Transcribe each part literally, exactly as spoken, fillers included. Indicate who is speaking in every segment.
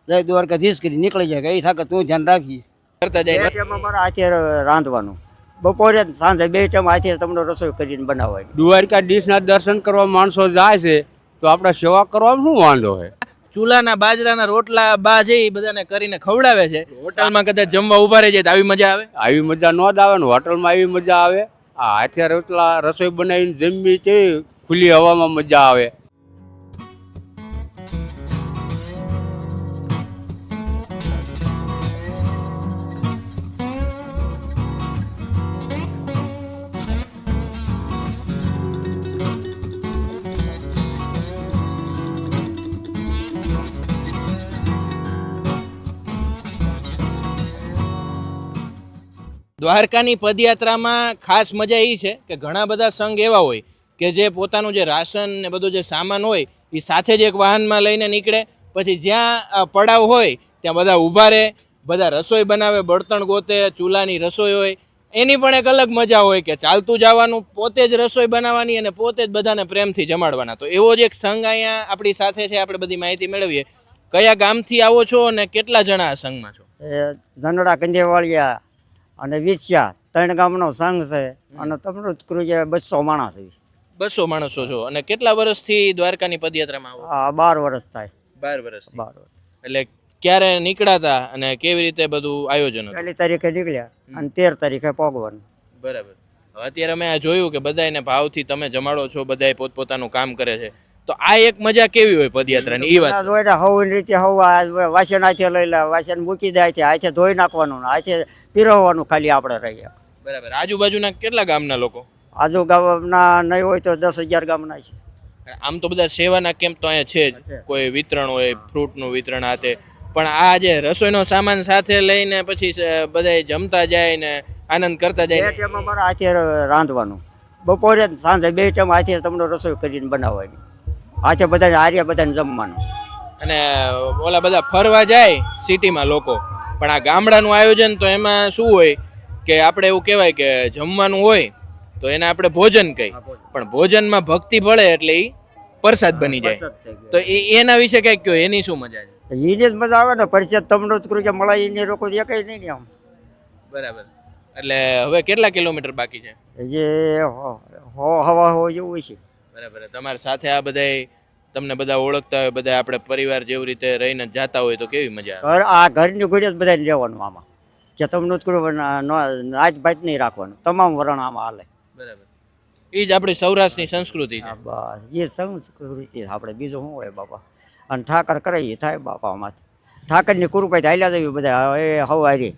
Speaker 1: જય દ્વારકાધીશ કરી નીકળી જાય કે એ થાકે તું ધ્યાન રાખીએ
Speaker 2: કરતા જાય
Speaker 3: ટાઈમ અમારે હાથે રાંધવાનું, બપોરે જ સાંજે બે ટાઈમ હાથે તમને રસોઈ કરીને બનાવવાની.
Speaker 4: દ્વારકાધીશના દર્શન કરવા માણસો જાય છે તો આપણે સેવા કરવામાં શું વાંધો છે?
Speaker 2: ચૂલાના બાજરાના રોટલા બા છે એ બધાને કરીને ખવડાવે છે. હોટલમાં કદાચ જમવા ઉભા રહી જાય તો આવી મજા આવે.
Speaker 4: આવી મજા ન જ આવે ને, હોટલમાં આવી મજા આવે. આ હાથે રોટલા રસોઈ બનાવીને જમવી છે, ખુલ્લી હવામાં મજા આવે.
Speaker 2: દ્વારકાની પદયાત્રામાં ખાસ મજા એ છે કે ઘણા બધા સંઘ એવા હોય કે જે પોતાનું જે રાશન ને બધું જે સામાન હોય એ સાથે જ એક વાહનમાં લઈને નીકળે. પછી જ્યાં પડાવ હોય ત્યાં બધા ઊભા રહે, બધા રસોઈ બનાવે, બળતણ ગોતે, ચૂલાની રસોઈ હોય. એની પણ એક અલગ મજા હોય કે ચાલતું જવાનું, પોતે જ રસોઈ બનાવવાની અને પોતે જ બધાને પ્રેમથી જમાડવાના. તો એવો જ એક સંઘ અહીંયા આપણી સાથે છે. આપણે બધી માહિતી મેળવીએ. કયા ગામથી આવો છો અને કેટલા જણા આ સંઘમાં છો?
Speaker 3: એ ઝંડડા કંજેવાળિયા અને વિછિયા ત્રણ ગામનો સંઘ છે અને તમને ક્રુઝે બસો માણસ છે.
Speaker 2: બસો માણસો છો અને કેટલા વર્ષથી દ્વારકાની પદયાત્રામાં આવો?
Speaker 3: આ બાર વર્ષ થાય.
Speaker 2: બાર વર્ષથી.
Speaker 3: બાર વર્ષ.
Speaker 2: એટલે ક્યારે નીકળાતા અને કેવી રીતે બધું આયોજન હતું?
Speaker 3: પહેલી તારીખે નીકળ્યા અને તેર તારીખે પહોંચવાનું.
Speaker 2: બરાબર. હવે અત્યારે અમે આ જોયું કે બધાને ભાવથી તમે જમાડો છો, બધાય પોતપોતાનું કામ કરે છે. તો આ એક મજા કેવી હોય પદયાત્રાની એ વાત?
Speaker 3: ધોઈ હવની રીતે હવા વાસણ હાથે લઈ લે, વાસણ મૂકી દે, હાથે હાથે ધોઈ નાખવાનું, હાથે પીરવવાનું ખાલી આપણે રહીએ.
Speaker 2: બરાબર. આજુબાજુના કેટલા ગામના લોકો?
Speaker 3: આજુ ગામના નહીં હોય તો દસ હજાર ગામના છે.
Speaker 2: આમ તો બધા સેવાના કેમ્પ તો અહીંયા છે જ. કોઈ વિતરણ હોય, ફ્રૂટનું વિતરણ આતે. પણ આ જે રસોઈનો સામાન સાથે લઈને પછી બધા જમતા જાય ને આનંદ કરતા
Speaker 3: બે
Speaker 2: જાય.
Speaker 3: ટાઈમ અમારે હાથે રાંધવાનું, બપોરે જ સાંજે બે ટાઈમ હાથે તમને રસોઈ કરીને બનાવવાની, હાથે બધાને હારે બધાને જમવાનું.
Speaker 2: અને ઓલા બધા ફરવા જાય સિટીમાં લોકો, પણ આ ગામડાનું આયોજન તો એમાં શું હોય કે આપણે એવું કહેવાય કે જમવાનું હોય તો એને આપણે ભોજન કહી, પણ ભોજનમાં ભક્તિ ભળે એટલે એ પ્રસાદ બની જાય. તો એ એના વિશે કંઈક કહો, એની શું મજા છે?
Speaker 3: એને જ મજા આવે ને, પરિષદ તમને જ કરું કે મળે એને લોકો એકઈ નહીં ને આમ.
Speaker 2: બરાબર. એટલે હવે કેટલા કિલોમીટર બાકી છે?
Speaker 3: જે હો હવા હો જેવું છે.
Speaker 2: બરાબર. તમારી સાથે આ બધાય તમને બધા ઓળખતા હોય, બધા આપણે પરિવાર જેવી રીતે રહીને જાતા હોય તો કેવી મજા આવે?
Speaker 3: ઘર આ ઘરની ઘોડે જ બધાને રહેવાનું આમાં, કે તમને જ કરું નાચ ભાત નહીં રાખવાનું, તમામ વરણ આમાં હાલે.
Speaker 2: બરાબર. એ જ આપણી સૌરાષ્ટ્રની સંસ્કૃતિ છે.
Speaker 3: બસ એ સંસ્કૃતિ આપણે, બીજું શું હોય બાપા. અને ઠાકર કરે એ થાય બાપા. આમાં ઠાકરની કૃપાથી હાલ્યા જવી બધા. એ હવારી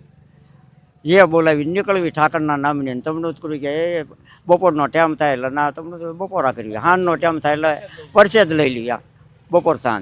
Speaker 3: જે બોલાવી નીકળવી ઠાકરના નામની. તમને જ કરું કે એ બપોરનો ટાઈમ થાય એટલે ના તમને તો બપોરા કરવી, સાંજનો ટાઈમ થાય એટલે પરસેદ લઈ લઈએ બપોર સાંજ.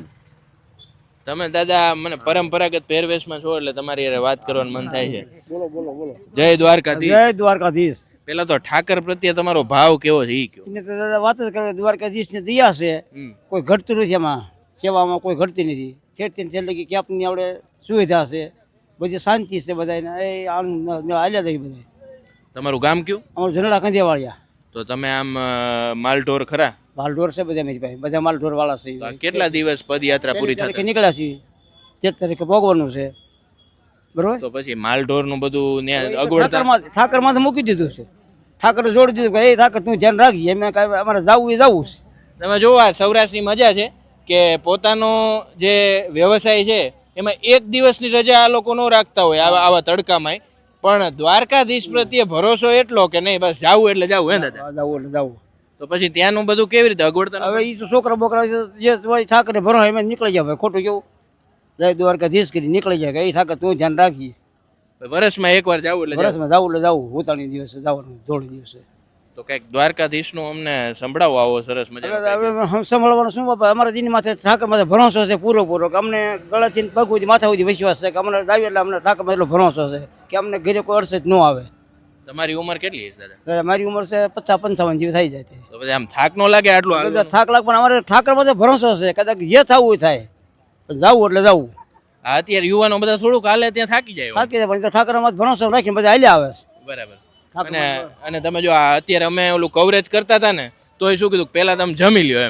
Speaker 2: તમે દાદા મને પરંપરાગત પહેરવેશમાં છો એટલે તમારી હારે વાત કરવાનું મન થાય છે. બોલો બોલો બોલો. જય દ્વારકાધીશ.
Speaker 1: જય દ્વારકાધીશ.
Speaker 2: પેલા તો ઠાકર પ્રત્યે તમારો ભાવ કેવો છે એ કહો.
Speaker 1: એને તો દાદા વાત જ કરે, દ્વારકાધીશની દયા છે,
Speaker 2: હમ.
Speaker 1: કોઈ ઘટતું નથી એમાં, સેવામાં કોઈ ઘટતી નથી. ખેતી છેલ્લે કે ક્યાંકની આપણે સુવિધા છે, બધી શાંતિ છે, બધાને એ આનંદ હાલ્યા જાય બધા.
Speaker 2: તમારું ગામ કયું?
Speaker 1: અમારું ઝંડડા કંજેવાળિયા.
Speaker 2: તો તમે આમ અ, માલઢોર ખરા?
Speaker 1: માલઢોર છે બધા મારી પાસે, બધા માલઢોર વાળા છે.
Speaker 2: તો આ કેટલા દિવસ પદયાત્રા પૂરી
Speaker 1: તારીખે
Speaker 2: થતા?
Speaker 1: નીકળ્યા છીએ, તેર તારીખે ભોગવાનું છે. બરોબર.
Speaker 2: તો પછી માલઢોર નું બધું ન્યા અગવડતા?
Speaker 1: ઠાકરમાં ઠાકરમાં તો મૂકી દીધું છે, ઠાકરે જોડી દીધું કે એ ઠાકર તું ધ્યાન રાખી, એમ કાંઈ અમારે જવું એ જવું છે.
Speaker 2: તમે જોવો આ સૌરાષ્ટ્રની મજા છે કે પોતાનો જે વ્યવસાય છે એમાં એક દિવસની રજા આ લોકો ન રાખતા હોય આવા આવા તડકામાં. પણ દ્વારકાધીશ પ્રત્યે ભરોસો એટલો કે નહીં બસ જાવું એટલે જાવું. હે દાદા?
Speaker 1: જવું એટલે જવું.
Speaker 2: તો પછી ત્યાંનું બધું કેવી રીતે અગવડતા?
Speaker 1: હવે એ તો છોકરા બોકરા જે હોય ઠાકરે ભરો એમાં નીકળી જાય, ખોટું કેવું. જય દ્વારકાધીશ કરી નીકળી જાય કે એ ઠાકર તું ધ્યાન રાખીએ.
Speaker 2: વર્ષમાં એકવાર જાવું એટલે જાવું.
Speaker 1: વર્ષમાં જવું એટલે જવું, ઉતાણી દિવસે જવાનું, જોડી દિવસે.
Speaker 2: તો કંઈક દ્વારકાધીશનું અમને સંભળાવો આવો સરસ મજા.
Speaker 1: હવે સંભાળવાનું શું બાપા, અમારા દિન માથે ઠાકર માથે ભરોસો છે પૂરો પૂરો, કે અમને ગળાથી પગ સુધી માથા સુધી વિશ્વાસ છે કે અમને દાવી એટલે અમને ઠાકર એટલો ભરોસો છે કે અમને ઘરે કોઈ અડસેજ ન આવે.
Speaker 2: તમારી ઉંમર કેટલી છે દાદા?
Speaker 1: દાદા મારી ઉંમર છે પચાસ પંચાવન જેવી થઈ જાય છે.
Speaker 2: તો પછી આમ થાક ન લાગે આટલું?
Speaker 1: દાદા થાક લાગ, પણ અમારે ઠાકર માથે ભરોસો છે, કદાચ જે થવું એ થાય, પણ જવું એટલે જવું.
Speaker 2: આ અત્યારે યુવાનો બધા થોડુંક હાલે ત્યાં થાકી જાય.
Speaker 1: થાકી જાય, પણ ઠાકર માથે ભરોસો રાખીને બધા હાલ્યા આવે છે.
Speaker 2: બરાબર. અને અને તમે જો આ અત્યારે અમે ઓલું કવરેજ કરતા હતા ને તો એ શું કીધું પહેલા તમે જમી લ્યો એમ,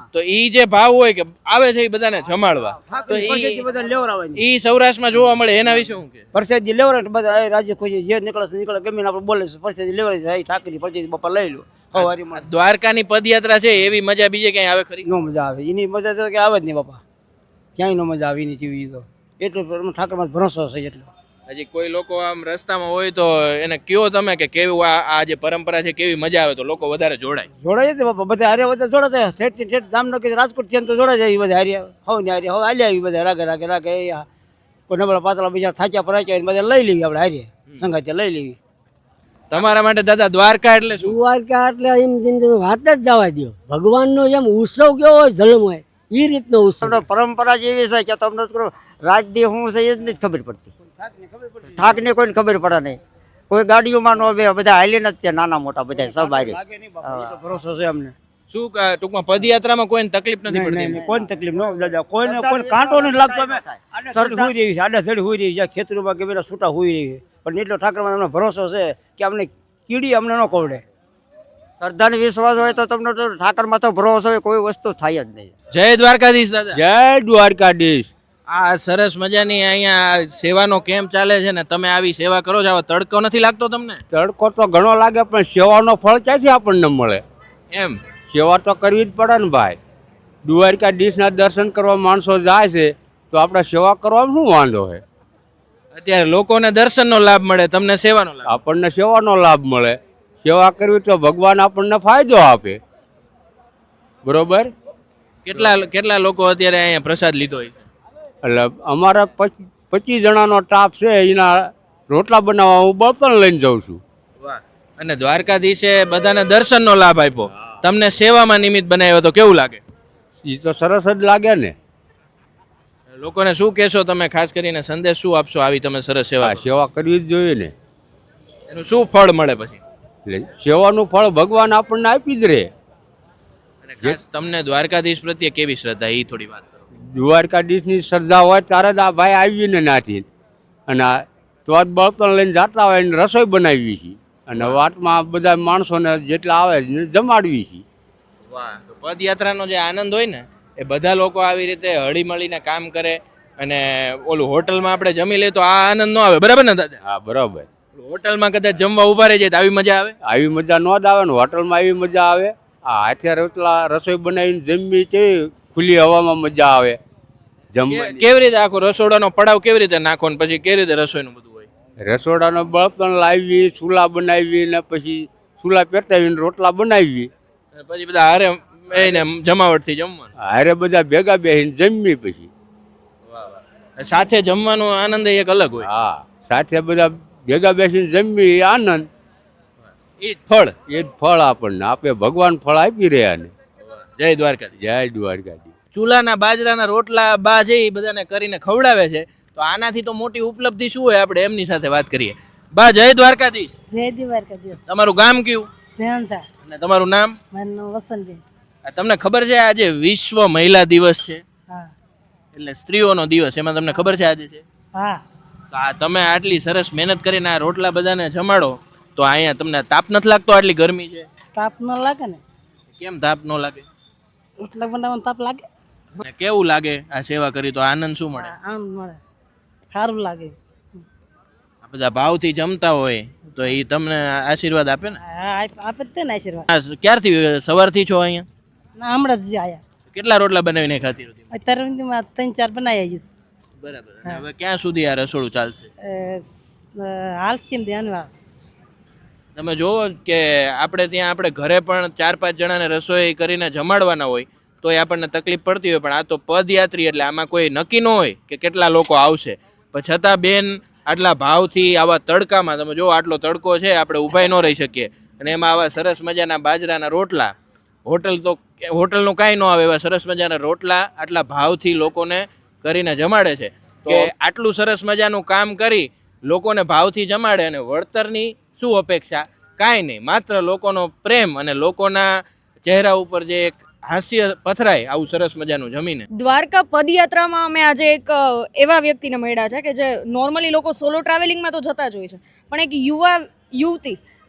Speaker 2: તો ઈ જે ભાવ હોય કે આવે છે એ બધાને જમાડવા, તો
Speaker 1: પરસેદી
Speaker 2: ઈ
Speaker 1: બધા લેવરાવાની
Speaker 2: ઈ સૌરાષ્ટ્રમાં જોવા મળે. એના વિશે શું કે
Speaker 1: પરસેદી લેવરાય એટલે બધા એ રાજ્ય ખુશી જે નીકળે છે નીકળે ગમે આપણે બોલે છે પરસેદી લેવરાય છે ઠાકરી પરસેદી બાપા લઈ લો હવારીમાં
Speaker 2: દ્વારકાની પદયાત્રા છે એવી મજા બીજે ક્યાંય આવે ખરી?
Speaker 1: નો મજા આવે એની મજા તો કે આવે જ નહીં બાપા, ક્યાંય નો મજા આવે એની જેવી તો એટલું ઠાકરમાં ભરોસો છે એટલો.
Speaker 2: હજી કોઈ લોકો આમ રસ્તામાં હોય તો એને કયો તમે કે કેવું આ આ જે પરંપરા છે કેવી મજા આવે તો લોકો વધારે જોડાય.
Speaker 1: જોડાય જ બાપા બધા હારે બધા જોડાતા ઠેઠ ઠેઠ જામનગર રાજકોટ છે તો જોડાય જાય બધા હારે હવે ને હારે હવે હાલી આવી બધા રાગે રાગે રાગે કોઈ નબળા પાતળા બીજા થાક્યા પરાચ્યા બધા લઈ લેવી આપણે હારે સંગાતે લઈ લેવી.
Speaker 2: તમારા માટે દાદા દ્વારકા એટલે શું?
Speaker 5: દ્વારકા એટલે એમ જિંદગી વાત જ જવા દો. ભગવાનનો જેમ ઉત્સવ કેવો હોય જન્મ હોય એ રીતનો ઉત્સવ.
Speaker 3: તમને પરંપરા જ એવી છે કે તમને તો રાજદી શું છે એ જ નથી ખબર પડતી. ઠાકની કોઈને ખબર પડે નહીં. કોઈ ગાડીઓમાં નો બે બધા હાલીને જ ત્યાં નાના મોટા બધા સબ હારી.
Speaker 1: ભરોસો છે અમને.
Speaker 2: શું ક- ટૂંકમાં પદયાત્રામાં કોઈને તકલીફ નથી
Speaker 1: નહીં
Speaker 2: પડતી?
Speaker 1: નહીં કોઈ તકલીફ ન દાદા કોઈને કોઈ કાંટો નથી લાગતો. અમે આડા હોઈ રહી છે આડા ધડી હોઈ રહી છે ખેતરોમાં કે પેલા છૂટા હોઈ રહી છે પણ એટલો ઠાકરમાં અમને ભરોસો છે કે અમને કીડી અમને ન કોવડે.
Speaker 3: શ્રદ્ધાને વિશ્વાસ હોય તો તમને તો ઠાકરમાં તો ભરોસો હોય કોઈ વસ્તુ થાય જ નહીં.
Speaker 2: જય દ્વારકાધીશ દાદા.
Speaker 4: જય દ્વારકાધીશ.
Speaker 2: આ સરસ મજાની અહીંયા સેવાનો કેમ્પ ચાલે છે ને તમે આવી સેવા કરો છો, આવા તડકો નથી લાગતો તમને?
Speaker 4: તડકો તો ઘણો લાગે પણ સેવાનો ફળ ક્યાંથી આપણને મળે?
Speaker 2: એમ
Speaker 4: સેવા તો કરવી જ પડે ને ભાઈ. દ્વારકાધીશના દર્શન કરવા માણસો જાય છે તો આપણે સેવા કરવામાં શું વાંધો છે?
Speaker 2: અત્યારે લોકોને દર્શનનો લાભ મળે, તમને સેવાનો લાભ.
Speaker 4: આપણને સેવાનો લાભ મળે. સેવા કરવી તો ભગવાન આપણને ફાયદો આપે. બરોબર.
Speaker 2: કેટલા કેટલા લોકો અત્યારે અહીંયા પ્રસાદ લીધો હોય?
Speaker 4: એટલે અમારા પચ- પચીસ જણાનો સ્ટાફ છે, એના રોટલા બનાવવા હું બળતણ લઈને જાઉં છું.
Speaker 2: વાહ. અને દ્વારકાધીશે બધાને દર્શનનો લાભ આપ્યો, તમને સેવામાં નિમિત્ત બનાવ્યો તો કેવું લાગે?
Speaker 4: એ તો સરસ જ લાગે ને.
Speaker 2: લોકોને શું કહેશો તમે, ખાસ કરીને સંદેશ શું આપશો આવી તમે સરસ સેવા
Speaker 4: આ
Speaker 2: કરો?
Speaker 4: સેવા કરવી જ જોઈએ ને.
Speaker 2: એનું શું ફળ મળે પછી?
Speaker 4: એટલે સેવાનું ફળ ભગવાન આપણને આપી જ રહે.
Speaker 2: અને ખાસ તમને દ્વારકાધીશ પ્રત્યે કેવી શ્રદ્ધા એ થોડી વાત કરો.
Speaker 4: દ્વારકાધીશની શ્રદ્ધા હોય ત્યારે જ આ ભાઈ આવીને નાથી અને આ તો જ બળતણ લઈને જતા હોય ને રસોઈ બનાવી છીએ અને વાટમાં બધા માણસોને જેટલા આવે એને જમાડવી છીએ.
Speaker 2: વાહ. તો પદયાત્રાનો જે આનંદ હોય ને એ બધા લોકો આવી રીતે હળી મળીને કામ કરે અને ઓલું હોટલમાં આપણે જમી લઈએ તો આ આનંદ ન આવે, બરાબર ને દાદા?
Speaker 4: હા બરાબર.
Speaker 2: હોટલમાં કદાચ જમવા ઉભા રહી જાય તો આવી મજા આવે?
Speaker 4: આવી મજા ન જ આવે ને. હોટલમાં આવી મજા આવે. આ હાથે રોટલા રસોઈ બનાવીને જમવી કેવી ખુલ્લી હવામાં મજા આવે જમવાની.
Speaker 2: કેવી રીતે આખો રસોડાનો પડાવ કેવી રીતે નાખો ને પછી કેવી રીતે રસોઈનું બધું હોય?
Speaker 4: રસોડાનો બળતણ લાવી, ચૂલા બનાવી ને પછી ચૂલા પેટાવીને રોટલા બનાવી.
Speaker 2: અને પછી બધા હારે એને જમાવટથી જમવાનું.
Speaker 4: હારે બધા ભેગા બેસીને જમવી પછી.
Speaker 2: સાથે જમવાનો આનંદ એક અલગ હોય.
Speaker 4: હા, સાથે બધા ભેગા બેસીને જમવી એ આનંદ.
Speaker 2: એ જ ફળ.
Speaker 4: એ જ ફળ આપણને આપે. ભગવાન ફળ આપી રહ્યા ને.
Speaker 2: જય દ્વારકાધીશ.
Speaker 4: જય દ્વારકાજી.
Speaker 2: ચૂલાના બાજરાના રોટલા બા છે એ બધાને કરીને ખવડાવે છે, તો આનાથી તો મોટી ઉપલબ્ધિ શું હોય? આપણે એમની સાથે વાત કરીએ. બા જય દ્વારકાધીશ.
Speaker 5: જય દ્વારકાધીશ.
Speaker 2: તમારું ગામ કયું
Speaker 5: ભેંસા.
Speaker 2: અને તમારું નામ?
Speaker 5: મારું નામ વસંતબેન.
Speaker 2: આ તમને ખબર છે આજે વિશ્વ મહિલા દિવસ છે,
Speaker 5: હા
Speaker 2: એટલે સ્ત્રીઓનો દિવસ, એમાં તમને ખબર છે આજે છે?
Speaker 5: હા.
Speaker 2: તો આ તમે આટલી સરસ મહેનત કરીને આ રોટલા બધાને જમાડો તો અહીંયા તમને તાપ નથી લાગતો? આટલી ગરમી છે,
Speaker 5: તાપ ન લાગે ને?
Speaker 2: કેમ તાપ ન લાગે?
Speaker 5: રોટલા બનાવવાનો તાપ લાગે?
Speaker 2: અને કેવું લાગે આ સેવા કરી તો આનંદ શું મળે?
Speaker 5: આનંદ મળે, સારું લાગે.
Speaker 2: આ બધા ભાવથી જમતા હોય તો એ તમને આશીર્વાદ આપે ને?
Speaker 5: હા આપ- આપે જ તે ને આશીર્વાદ.
Speaker 2: આ ક્યારથી સવારથી છો અહીંયા?
Speaker 5: ના હમણાં જ આયા.
Speaker 2: કેટલા રોટલા બનાવીને ખાતી હતી?
Speaker 5: અત્યારે સુધીમાં ત્રણ ચાર બનાવી આવી.
Speaker 2: બરાબર. અને હવે ક્યાં સુધી આ રસોડું ચાલશે?
Speaker 5: હાલ છે એમ ધ્યાનમાં.
Speaker 2: તમે જોવો કે આપણે ત્યાં આપણે ઘરે પણ ચાર પાંચ જણાને રસોઈ કરીને જમાડવાના હોય તો એ આપણને તકલીફ પડતી હોય, પણ આ તો પદયાત્રી એટલે આમાં કોઈ નક્કી ન હોય કે કેટલા લોકો આવશે, પણ છતાં બેન આટલા ભાવથી આવા તડકામાં, તમે જો આટલો તડકો છે, આપણે ઊભાઈ ન રહી શકીએ અને એમાં આવા સરસ મજાના બાજરાના રોટલા, હોટલ તો હોટલનું કાંઈ ન આવે એવા સરસ મજાના રોટલા આટલા ભાવથી લોકોને કરીને જમાડે છે. કે આટલું સરસ મજાનું કામ કરી લોકોને ભાવથી જમાડે અને વળતરની શું અપેક્ષા? કાંઈ નહીં, માત્ર લોકોનો પ્રેમ અને લોકોના ચહેરા ઉપર જે એક હાસ્ય પથરાય આવું સરસ મજાનું જમીને.
Speaker 6: દ્વારકા પદયાત્રામાં અમે આજે એક અ, એવા વ્યક્તિને મળ્યા છે કે જે નોર્મલી લોકો સોલો ટ્રાવેલિંગમાં તો જતા જ હોય છે, પણ એક યુવા યુવતી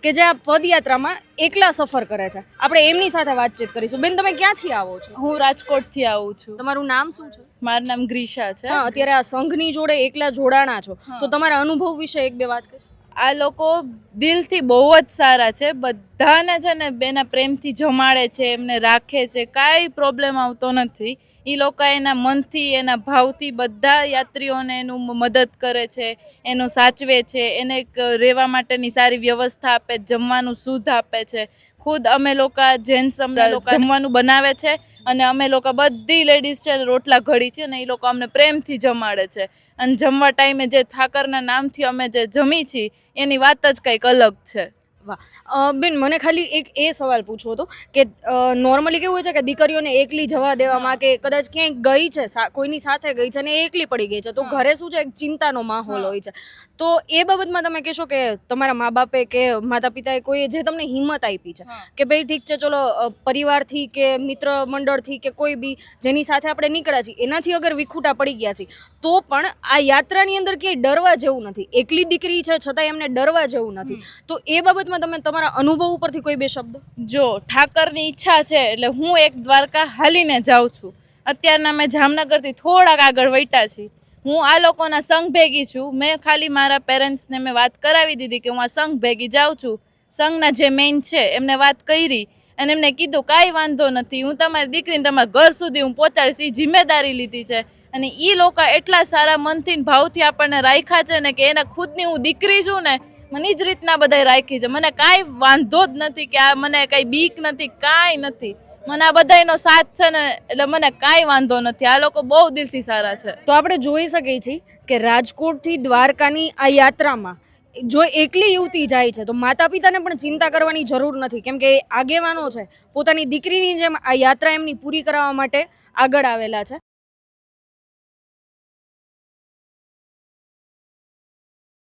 Speaker 6: કે જે આ પદયાત્રામાં એકલા સફર કરે છે. આપણે એમની સાથે વાતચીત કરીશું. બેન, તમે ક્યાંથી આવો છો?
Speaker 7: હું રાજકોટથી આવું છું.
Speaker 6: તમારું નામ શું છે?
Speaker 7: મારું નામ ગ્રીશા છે.
Speaker 6: હા, અત્યારે આ સંઘની જોડે એકલા જોડાણા છો, તો તમારા અનુભવ વિશે એક બે વાત કહેશો?
Speaker 7: આ લોકો દિલથી બહુ જ સારા છે. બધાને છે ને બેના પ્રેમથી જમાડે છે, એમને રાખે છે, કાંઈ પ્રોબ્લેમ આવતો નથી. એ લોકો એના મનથી એના ભાવથી બધા યાત્રીઓને એનું મદદ કરે છે, એનું સાચવે છે, એને એક રહેવા માટેની સારી વ્યવસ્થા આપે, જમવાનું શુદ્ધ આપે છે. ખુદ અમે લોકો જેન્ટ્સ અમને જમવાનું બનાવે છે અને અમે લોકો બધી લેડીઝ છે રોટલા ઘડી છે ને એ લોકો અમને પ્રેમથી જમાડે છે. અને જમવા ટાઈમે જે ઠાકરના નામથી અમે જે જમી છીએ એની વાત જ કંઈક અલગ છે.
Speaker 6: વાહ. બેન, મને ખાલી એક એ સવાલ પૂછવો હતો કે નોર્મલી કેવું હોય છે કે દીકરીઓને એકલી જવા દેવામાં કે કદાચ ક્યાંય ગઈ છે, કોઈની સાથે ગઈ છે અને એકલી પડી ગઈ છે, તો ઘરે શું છે એક ચિંતાનો માહોલ હોય છે. તો એ બાબતમાં તમે કહેશો કે તમારા મા બાપે કે માતા પિતાએ કોઈ જે તમને હિંમત આપી છે કે ભાઈ ઠીક છે, ચલો પરિવારથી કે મિત્ર મંડળથી કે કોઈ બી જેની સાથે આપણે નીકળ્યા છીએ એનાથી અગર વિખૂટા પડી ગયા છીએ તો પણ આ યાત્રાની અંદર ક્યાંય ડરવા જેવું નથી. એકલી દીકરી છે છતાં એમને ડરવા જેવું નથી. તો એ બાબત તમે તમારા અનુભવ ઉપરથી કોઈ બે શબ્દ?
Speaker 7: જો ઠાકરની ઈચ્છા છે એટલે હું એક દ્વારકા હાલીને જાઉં છું. અત્યારના મેં જામનગરથી થોડાક આગળ વૈટા છીએ. હું આ લોકોના સંઘ ભેગી છું. મેં ખાલી મારા પેરેન્ટ્સને મેં વાત કરાવી દીધી કે હું આ સંઘ ભેગી જાઉં છું. સંઘના જે મેઇન છે એમને વાત કરી અને એમને કીધું કાંઈ વાંધો નથી, હું તમારી દીકરીને તમારા ઘર સુધી હું પહોંચાડીશ. એ જિમ્મેદારી લીધી છે અને એ લોકો એટલા સારા મનથી ભાવથી આપણને રાખ્યા છે ને કે એને ખુદની હું દીકરી છું ને મને જ રીતના બધા રાખી છે. મને કાંઈ વાંધો જ નથી કે આ મને કાંઈ બીક નથી, કાંઈ નથી. મને આ બધાનો સાથ છે ને એટલે મને કાંઈ વાંધો નથી. આ લોકો બહુ દિલથી સારા છે.
Speaker 6: તો આપણે જોઈ શકીએ છીએ કે રાજકોટથી દ્વારકાની આ યાત્રામાં જો એકલી યુવતી જાય છે તો માતા પિતાને પણ ચિંતા કરવાની જરૂર નથી, કેમ કે આગેવાનો છે પોતાની દીકરીની જેમ આ યાત્રા એમની પૂરી કરાવવા માટે આગળ આવેલા છે.